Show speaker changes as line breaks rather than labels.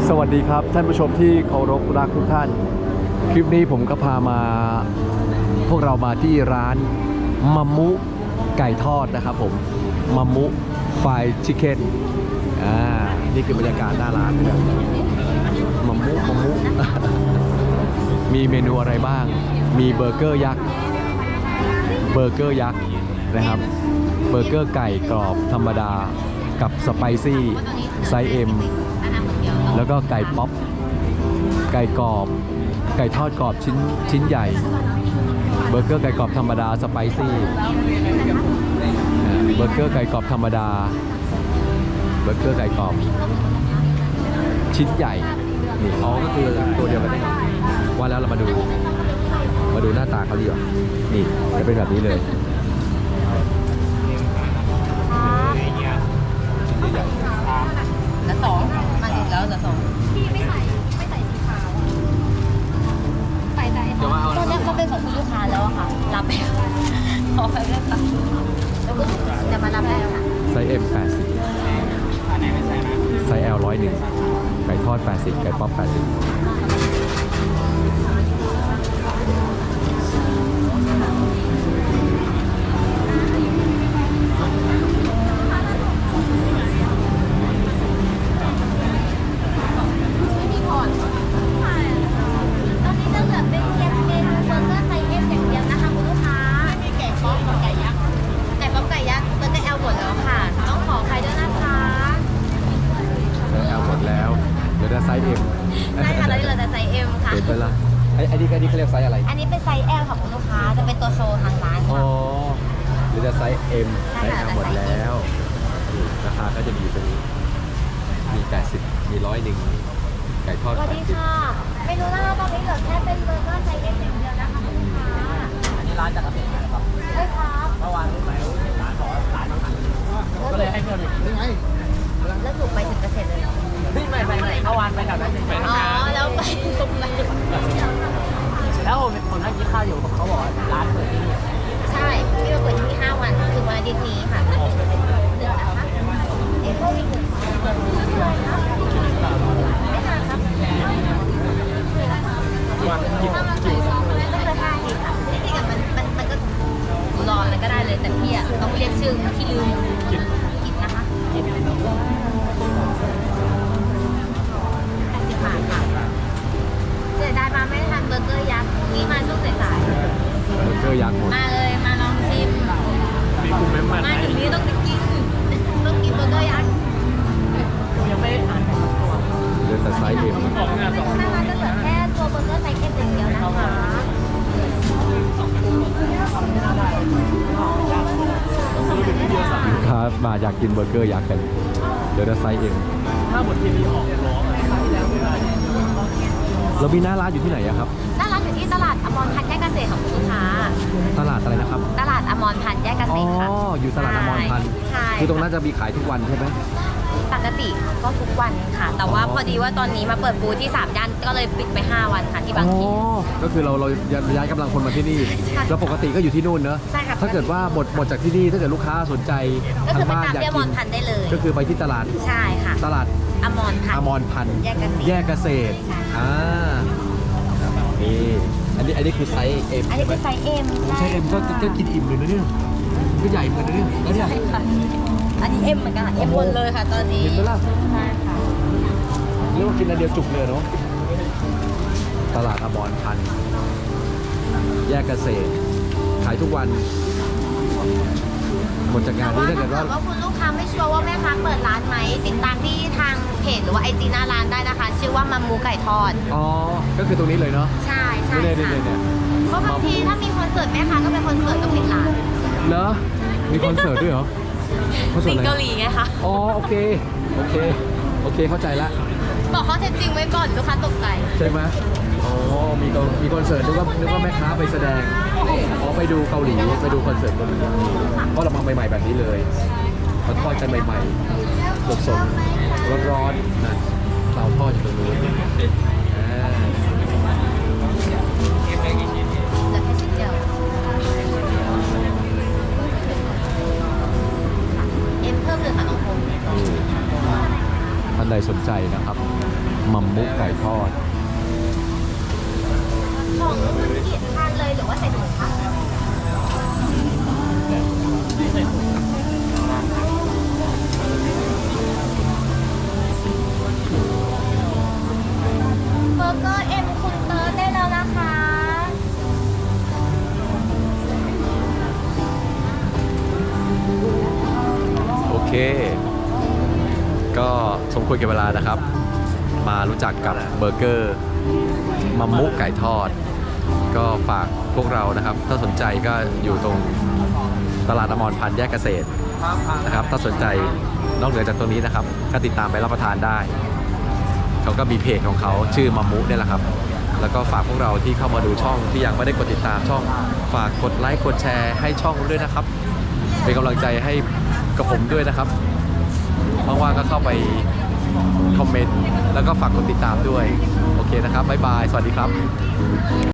สวัสดีครับท่านผู้ชมที่เคารพรักทุกท่านคลิปนี้ผมก็พามาพวกเรามาที่ร้านมัมมุไก่ทอดนะครับผมมัมมุไฟชิคเก้นนี่คือบรรยากาศหน้าร้านนะครับมัมมุ มีเมนูอะไรบ้างมีเบอร์เกอร์ยักษ์นะครับเบอร์เกอร์ไก่กรอบธรรมดากับสไปซี่ไซส์ Mแล้วก็ไก่ป๊อปไก่กรอบไก่ทอดกรอบชิ้นใหญ่เบอร์เกอร์ไก่กรอบธรรมดาสไปซี่เบอร์เกอร์ไก่กรอบธรรมดาเบอร์เกอร์ไก่กรอบชิ้นใหญ่นี่อ๋อก็คือตัวเดียวกันเองว่าแล้วเรามาดูหน้าตาเขาดีกว่านี่จะเป็นแบบนี้เลย
แล้วสองมาอีกแล้วแต่สองพี่ไม่ใส่สีขาวใส่ตัวนี้มันเป็นของคุณลูกค้าแล้วอะค่ะรับไปขอไปเลยค่ะแล้วก็จะมารับได้แล้วค่ะ
ไซส์ M 80ไซส์ L 101ไก่ทอด80ไก่ป๊อป80ไซส์ M
ใช่ค่ะตอนนี้เราจะไซส์ M ค่ะ
เห็นไปละอันนี้เขาเรียกไซส์อะไร
อันนี้เป็นไซส์ L ของคุณลูกค้าจะเป็นตัวโชว์ทางร้านค่ะ
อ๋อหรือจะไซส์ M ไซส์ L หมดแล้วราคาก็จะมีตรงนี้มี80มี101ไก่ทอด
สวัสดีค่ะเมนูหน้าตอนนี้เหลือแค่เป็นเบอร์เกอร์ไซส์ M อย่างเดียวนะคะคุณลูกค้า
อันนี้ร้านจัดระเบียบนะครับ
ใช่ครับ
เมื่อวานรู้ไหมร้านบอกว่าร้านมาก็เลยให้เพื่อนอีกนี่ไง
แล้วถูกไป10%เลย
ไม่เมื่อวานไปแถวนั้นไป
อ๋อแล้วไปตรงไหน
แล้วผมนั่งกินข้าวอยู่เขาบอกว่าร้านเปิดที่นี่
ใช่พี่มาเปิดที่นี่5 วันคือวันอาทิตย์นี้ค่ะ1นะคะเอ็มอีก1ไม่นานครับ
วันกิน
ไม่เคยได้ค่ะจริงๆมันก็รออะไรก็ได้เลยแต่พี่อ่ะต้องเรียกชื่อที่ลืมกินนะคะ80 บาทค่ะเสียดายมาไม่ทันเบอร์เกอร์ยักษ์นี่มาช่วงสาย
เบอร์เกอร์ยักษ์หมด
มาเลยมาลองชิม
มีกลุ่มเมมเบอร์
มาถึงนี้ต้องกินเบอร์เกอร์ยักษ์
ยังไม่ได้อ่านตัว
เหลือแต่ไซส์ M
นะคะจะเหลือแค่ตัวเบอร์เกอร์ไซส์ M อย่างเดียวนะคะ
ลูกค้ามาอยากกินเบอร์เกอร์ยักษ์กันเหลือแต่ไซส์ M
ถ้าบททีวีออกร้อง
เรามีหน้าร้านอยู่ที่ไหนอะครับ
หน้าร้านอยู่ที่ตลาดอมรพันธ์แยกเกษตรของคุณลูกค้า
ตลาดอะไรนะครับ
ตลาดอมรพันธ์แยกเกษตรค่ะ
อยู่ตลาดอมรพันธ์คือตรงนั้นจะมีขายทุกวันใช่ไหม
ปกติก็ทุกวันค่ะแต่ว่าพอดีว่าตอนนี้มาเปิดบูธที่3 ย่านก็เลยปิดไป5 วันค่ะที่บางพี
ก็คือเราย้ายกำลังคนมาที่นี่แล้วปกติก็อยู่ที่นู่นเนอะ
ใช่ค่ะ
ถ้าเกิดว่าหมดจากที่นี่ถ้าเกิดลูกค้าสนใจทางบ้านอยากกินก็คือไปที่ตลาด
ใช่ค่ะ
ตลาด
อมรพันธ์
แยกเกษตรนี่อันนี้คือไซส์ M
อันนี้คือไซส์ M
ไซส์ M ก็กินอิ่มเลยนะเนี่ยก็ใหญ่เหมือนกันเนี่ยแล้วเนี่ย
อันนี้ M เหมือนกันค่ะ M หมดเลยค่ะตอนนี้
เห็นไหมล่ะ
ใช่ค่ะ
เรียกว่ากินอันเดียวจุกเลยเนาะตลาดอมรพันธ์แยกเกษตรขายทุกวันหมดจากงานนี้ถ้าเกิดว่า
คุณลูกค้าไม่ชัวร์ว่าแม่ค้าเปิดร้านไหมติดตามที่ทางเพจหรือว่า IG หน้าร้านได้นะคะชื่อว่ามัมมูไก่ทอด
ก็คือตรงนี้เลยเนาะ
ใช่ค่ะ
เนี่ย
เพราะบางทีถ้ามีคอนเสิร์ตแม่ค้าก็เป็นคอนเสิร์ตก็ปิดร้าน
เหรอมีคอนเสิร์ตด้วยเหรอ
สิงเกาหลีไงคะ
โอเคเข้าใจละ
บอกเขาเท็จจริงไว้ก่อนลูกค้าตกใจ
ใช่ไหมมีคอนเสิร์ตนึกว่าแม่ค้าไปแสดงไปดูเกาหลีไปดูคอนเสิร์ตเกาหลีก็เรามาใหม่ๆแบบนี้เลยเขาทอดกันใหม่ๆสดๆร้อนๆนั่นเราทอดอยู่ตรงนู้นสนใจนะครับมัมมุไก่ทอด
ของมันกี่ทานเลยหรือว่าใส่ถุงคะ เบอร์เกอร์เอ็มคุณเติร์ดได้แล้วนะคะ
โอเค ก็สมควรแก่เวลานะครับ มารู้จักกับเบอร์เกอร์มัมมุไก่ทอด ก็ฝากพวกเรานะครับ ถ้าสนใจก็อยู่ตรงตลาดอมรพันธ์แยกเกษตรนะครับ ถ้าสนใจนอกเหนือจากตรงนี้นะครับ ก็ติดตามไปรับประทานได้ เขาก็มีเพจของเขาชื่อมัมมุเนี่ยแหละครับ แล้วก็ฝากพวกเราที่เข้ามาดูช่องที่ยังไม่ได้กดติดตามช่อง ฝากกดไลค์กดแชร์ให้ช่องด้วยนะครับ เป็นกำลังใจให้กับผมด้วยนะครับว่างๆก็เข้าไปคอมเมนต์แล้วก็ฝากกดติดตามด้วย โอเคนะครับบ๊ายบาย สวัสดีครับ